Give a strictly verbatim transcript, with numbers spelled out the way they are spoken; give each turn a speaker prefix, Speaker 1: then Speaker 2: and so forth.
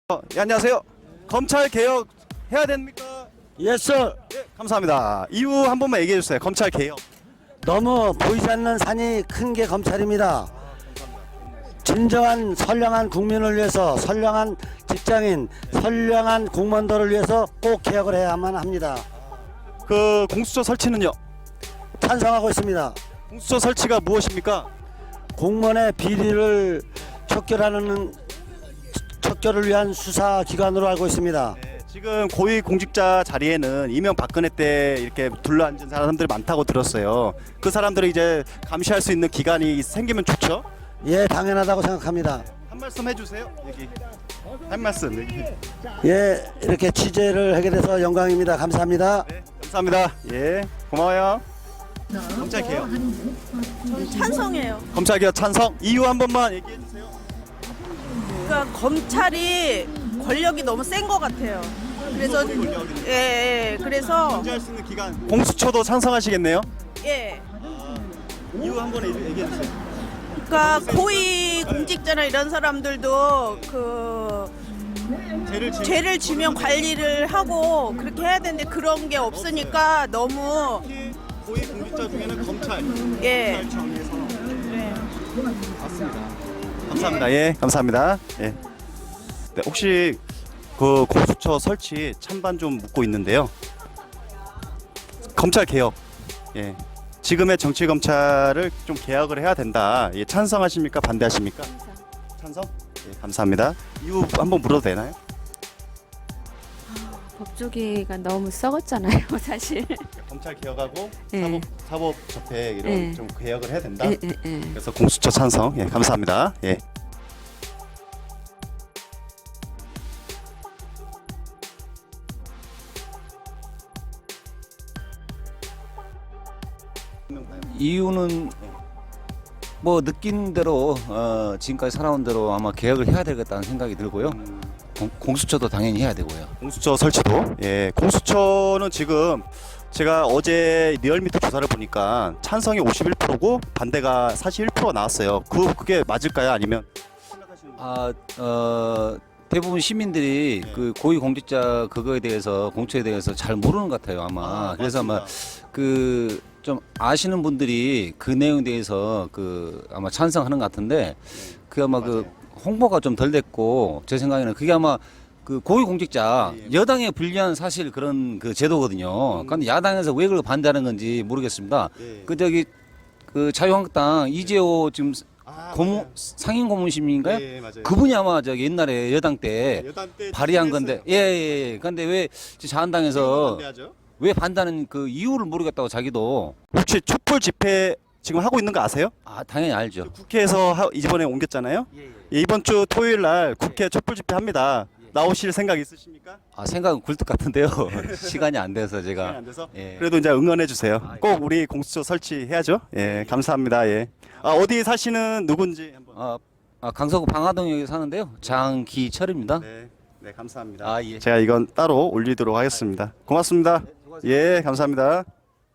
Speaker 1: 어, 예, 안녕하세요. 검찰 개혁 해야 됩니까?
Speaker 2: 예스.
Speaker 1: 예, 감사합니다. 이유 한 번만 얘기해 주세요. 검찰 개혁.
Speaker 2: 너무 보이지 않는 산이 큰 게 검찰입니다. 진정한 선량한 국민을 위해서, 선량한 직장인, 선량한 공무원들을 위해서 꼭 개혁을 해야만 합니다.
Speaker 1: 그 공수처 설치는요?
Speaker 2: 찬성하고 있습니다.
Speaker 1: 공수처 설치가 무엇입니까?
Speaker 2: 공무원의 비리를 척결하는 척결을 위한 수사 기관으로 알고 있습니다.
Speaker 1: 네, 지금 고위 공직자 자리에는 이명박근혜 때 이렇게 둘러앉은 사람들이 많다고 들었어요. 그 사람들을 이제 감시할 수 있는 기관이 생기면 좋죠?
Speaker 2: 예, 당연하다고 생각합니다.
Speaker 1: 한 말씀 해주세요. 얘기. 한 말씀 얘기.
Speaker 2: 예, 이렇게 취재를 하게 돼서 영광입니다. 감사합니다.
Speaker 1: 네, 감사합니다. 예, 고마워요. 검찰 개혁.
Speaker 3: 저는 찬성해요.
Speaker 1: 검찰 개혁 찬성. 이유 한 번만 얘기해 주세요.
Speaker 3: 그러니까 검찰이 권력이 너무 센 것 같아요. 그래서 예, 예 그래서
Speaker 1: 통제할 수 있는 기관. 공수처도 찬성하시겠네요?
Speaker 3: 예.
Speaker 1: 이유 한 번 얘기해 주세요.
Speaker 3: 그러니까 고위 공직자나 이런 사람들도 그
Speaker 1: 죄를 지
Speaker 3: 죄를 지면 관리를 하고 그렇게 해야 되는데 그런 게 없으니까 너무
Speaker 1: 특히 고위 공직자 중에는 검찰,
Speaker 3: 예.
Speaker 1: 검찰청에서
Speaker 3: 네.
Speaker 1: 맞습니다. 감사합니다. 예, 감사합니다. 예. 네, 혹시 그 공수처 설치 찬반 좀 묻고 있는데요. 검찰 개혁. 예. 지금의 정치 검찰을 좀 개혁을 해야 된다. 예, 찬성하십니까? 반대하십니까? 찬성. 예, 감사합니다. 이유 한번 물어도 되나요?
Speaker 4: 법조계가 너무 썩었잖아요, 사실.
Speaker 1: 검찰 개혁하고
Speaker 4: 예.
Speaker 1: 사법 사법 적폐 이런
Speaker 4: 예.
Speaker 1: 좀 개혁을 해야 된다.
Speaker 4: 예, 예, 예.
Speaker 1: 그래서 공수처 찬성. 예, 감사합니다. 예.
Speaker 5: 이유는 뭐 느낀 대로 어, 지금까지 살아온 대로 아마 개혁을 해야 되겠다는 생각이 들고요. 공, 공수처도 당연히 해야 되고요.
Speaker 1: 공수처 설치도. 예, 공수처는 지금 제가 어제 리얼미터 조사를 보니까 찬성이 오십일 퍼센트고 반대가 사십일 퍼센트가 나왔어요. 그 그게 맞을까요? 아니면
Speaker 5: 아, 어, 대부분 시민들이
Speaker 1: 네.
Speaker 5: 그 고위 공직자 그거에 대해서 공처에 대해서 잘 모르는 것 같아요 아마.
Speaker 1: 아,
Speaker 5: 그래서 아마
Speaker 1: 맞습니다.
Speaker 5: 그 좀 아시는 분들이 그 내용에 대해서 그 아마 찬성하는 것 같은데 그 아마 그
Speaker 1: 맞아요.
Speaker 5: 홍보가 좀 덜 됐고 제 생각에는 그게 아마 그 고위 공직자
Speaker 1: 예, 예.
Speaker 5: 여당에 불리한 사실 그런 그 제도거든요.
Speaker 1: 음.
Speaker 5: 그런데 야당에서 왜 그걸 반대하는 건지 모르겠습니다.
Speaker 1: 예.
Speaker 5: 그 저기 그 자유한국당 이재호 지금
Speaker 1: 아,
Speaker 5: 고문
Speaker 1: 맞아요.
Speaker 5: 상임 고문심인가요?
Speaker 1: 예, 예, 맞아요.
Speaker 5: 그분이 아마 저기 옛날에 여당 때
Speaker 1: 여당 때
Speaker 5: 발의한 건데 예예 예. 근데 왜 자한당에서
Speaker 1: 반대하죠?
Speaker 5: 왜 반대하는 그 이유를 모르겠다고 자기도
Speaker 1: 혹시 촛불 집회 지금 하고 있는 거 아세요?
Speaker 5: 아 당연히 알죠.
Speaker 1: 국회에서 하, 이번에 옮겼잖아요. 예, 이번 주 토요일 날 국회 촛불 집회 합니다. 나오실 생각 있으십니까?
Speaker 5: 아 생각은 굴뚝 같은데요. 시간이 안 돼서
Speaker 1: 시간이
Speaker 5: 제가
Speaker 1: 안 돼서.
Speaker 5: 예.
Speaker 1: 그래도 이제 응원해 주세요.
Speaker 5: 아,
Speaker 1: 꼭 우리 공수처 설치해야죠. 예, 감사합니다. 예. 아, 어디 사시는 누군지 한번.
Speaker 5: 아, 아 강서구 방화동에 사는데요. 장기철입니다.
Speaker 1: 네, 네, 감사합니다.
Speaker 5: 아 예.
Speaker 1: 제가 이건 따로 올리도록 하겠습니다. 고맙습니다. 예, 감사합니다.